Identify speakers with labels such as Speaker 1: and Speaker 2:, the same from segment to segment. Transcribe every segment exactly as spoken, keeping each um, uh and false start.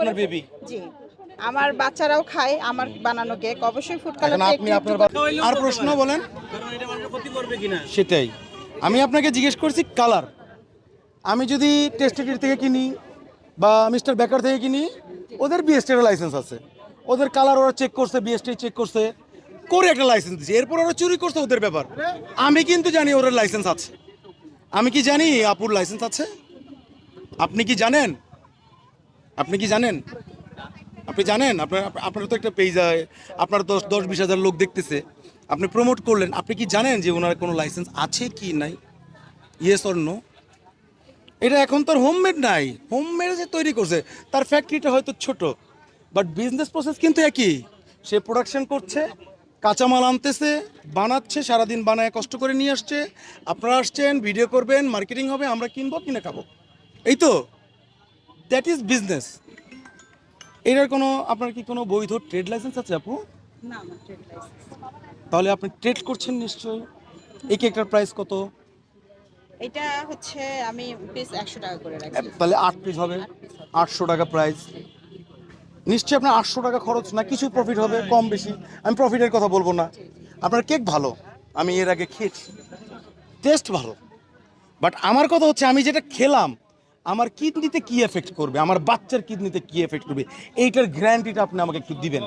Speaker 1: আপনার বেবি?
Speaker 2: জি, আমার বাচ্চারাও খায় আমার বানানো কেক। অবশ্যই ফুড কালার
Speaker 1: আপনি আপনার আর প্রশ্ন বলেন।
Speaker 3: কারণ এটা মানুষের ক্ষতি করবে কিনা
Speaker 1: সেটাই আমি আপনাকে জিজ্ঞেস করছি কালার। আমি যদি টেস্টেড থেকে কিনি বা মিস্টার বেকার থেকে কিনি, ওদের বিএসটির লাইসেন্স আছে, ওদের কালার ওরা চেক করছে, বিএসটি চেক করছে, করে একটা লাইসেন্স দিচ্ছে। এরপর ওরা চুরি করছে, ওদের ব্যাপার। আমি কিন্তু জানি ওদের লাইসেন্স আছে। আমি কি জানি আপুর লাইসেন্স আছে? আপনি কি জানেন? আপনি কি জানেন? আপনি জানেন আপনার আপনার তো একটা পেজ, আপনার দশ দশ বিশ হাজার লোক দেখতেছে, আপনি প্রমোট করলেন, আপনি কি জানেন যে ওনার কোনো লাইসেন্স আছে কি নাই? Yes or no? এটা এখন তো হোমমেড নাই, হোমমেড যে তৈরি করছে তার ফ্যাক্টরিটা হয়তো ছোট, বাট বিজনেস প্রসেস কিন্তু একই। সে প্রোডাকশন করছে, কাঁচামাল আনতেছে, বানাচ্ছে, সারাদিন বানায় কষ্ট করে নিয়ে আসছে, আপনারা আসছেন, ভিডিও করবেন, মার্কেটিং হবে, আমরা কিনবো, কিনে খাবো, এই তো। That is business. এটার কোনো আপনার কি কোনো বৈধ ট্রেড লাইসেন্স আছে আপু?
Speaker 2: না না ট্রেড লাইসেন্স।
Speaker 1: তাহলে আপনি ট্রেড করছেন নিশ্চয়ই। এই কেকটার প্রাইস কত?
Speaker 2: এটা হচ্ছে আমি পিস একশো টাকা করে রাখি।
Speaker 1: তাহলে আট পিস হবে, আটশো টাকা প্রাইস। নিশ্চয়ই আপনার আটশো টাকা খরচ না, কিছু প্রফিট হবে কম বেশি, আমি প্রফিটের কথা বলবো না। আপনার কেক ভালো, আমি এর আগে খেয়েছি, টেস্ট ভালো, বাট আমার কথা হচ্ছে আমি যেটা খেলাম আমার কিডনিতে কি এফেক্ট করবে, আমার বাচ্চার কিডনিতে কি এফেক্ট করবে, এইটার গ্যারান্টিটা আপনি আমাকে একটু দিবেন।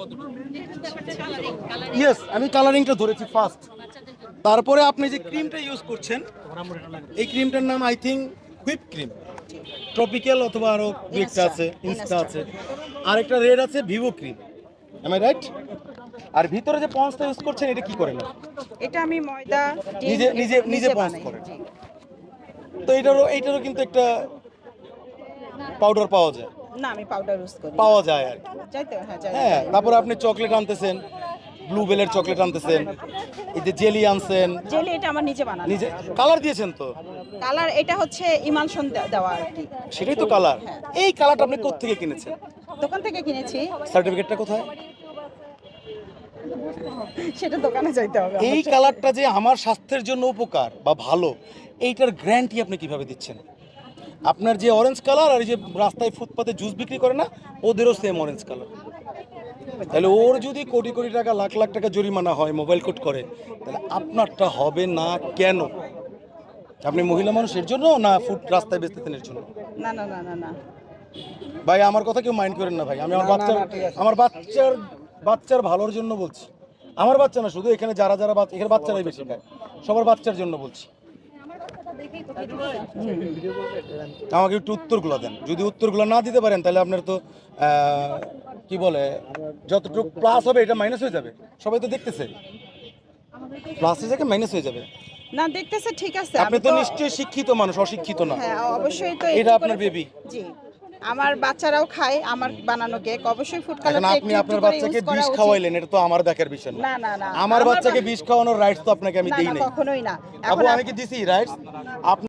Speaker 1: ইয়েস, আমি কালারিংটা ধরেছি ফার্স্ট। তারপরে আপনি যে ক্রিমটা ইউজ করছেন, এই ক্রিমটার নাম I think whip cream, tropical অথবা আরও একটা আছে, ইনস্টা আছে, আরেকটা রেড আছে Vivo cream, am I right? আর ভিতরে যে পন্সটা ইউজ করছেন এটা কি করেন?
Speaker 2: এটা আমি ময়দা ডিম
Speaker 1: নিজে নিজে নিজে পন্স
Speaker 2: বানাই।
Speaker 1: করেন?
Speaker 2: জি।
Speaker 1: তো এটারও এইটারও কিন্তু একটা পাউডার পাওয়া যায়,
Speaker 2: না আমি পাউডার ইউজ করি।
Speaker 1: পাওয়া যায় আর কি।
Speaker 2: যাইতে হ্যাঁ যাই।
Speaker 1: হ্যাঁ, তারপরে আপনি চকলেট আনতেছেন, ব্লুবেলের চকলেট আনতেছেন, এই যে জেলি আনছেন,
Speaker 2: জেলি এটা আমার নিজে বানানো।
Speaker 1: নিজে কালার দিয়েছেন তো?
Speaker 2: কালার এটা হচ্ছে ইমালশন দেওয়া আর কি।
Speaker 1: সেটাই তো কালার। এই কালারটা আপনি কোত্থেকে কিনেছেন?
Speaker 2: দোকান থেকে কিনেছি।
Speaker 1: সার্টিফিকেটটা কোথায়?
Speaker 2: সেটা দোকানে যাইতে হবে।
Speaker 1: এই কালারটা যে আমার স্বাস্থ্যের জন্য উপকার বা ভালো, এইটার গ্যারান্টি আপনি কিভাবে দিচ্ছেন? আপনার যে অরেঞ্জ কালার আর এই যে রাস্তায় ফুটপাতে জুস বিক্রি করে না, ওদেরও সেম অরেঞ্জ কালার। তাহলে ওর যদি কোটি কোটি টাকা লাখ লাখ টাকা জরিমানা হয়, মোবাইল কোড করে, তাহলে আপনারটা হবে না কেন? আপনি মহিলা মানুষ এর জন্য, না ফুড রাস্তায় বেচতেছেন এর জন্য?
Speaker 2: না না না না না
Speaker 1: ভাই আমার কথা কেউ মাইন্ড করেন না ভাই, আমি আমার বাচ্চার আমার বাচ্চার বাচ্চার ভালোর জন্য বলছি। আমার বাচ্চা না, শুধু এখানে যারা যারা বাচ্চা, এখানে বাচ্চারাই বেশি খায়, সবার বাচ্চার জন্য বলছি। আমাকে একটু উত্তরগুলো দেন। যদি উত্তরগুলো না দিতে পারেন তাহলে আপনার তো কি বলে, যতটুকু প্লাস হবে এটা মাইনাস হয়ে যাবে। সবাই তো দেখতেছে, প্লাসের জায়গায় মাইনাস হয়ে যাবে।
Speaker 2: না দেখতেছে ঠিক আছে।
Speaker 1: আপনি
Speaker 2: আমি
Speaker 1: তো নিশ্চয়ই শিক্ষিত মানুষ, অশিক্ষিত না।
Speaker 2: হ্যাঁ অবশ্যই তো।
Speaker 1: এটা আপনার বেবি?
Speaker 2: জি, আমার বাচ্চারাও খায় আমার বানানো কেক। অবশ্যই ফুড কালার।
Speaker 1: এখন আপনি আপনার বাচ্চাকে বিষ খাওয়াইলেন, এটা তো আমার দেখার বিষয় না।
Speaker 2: না না না
Speaker 1: আমার বাচ্চাকে বিষ খাওয়ানোর রাইটস তো আপনাকে আমি
Speaker 2: না
Speaker 1: দেই
Speaker 2: না
Speaker 1: নাই।
Speaker 2: কখনোই না।
Speaker 1: আপু
Speaker 2: এখন
Speaker 1: আমি কি দিছি রাইটস? আপনি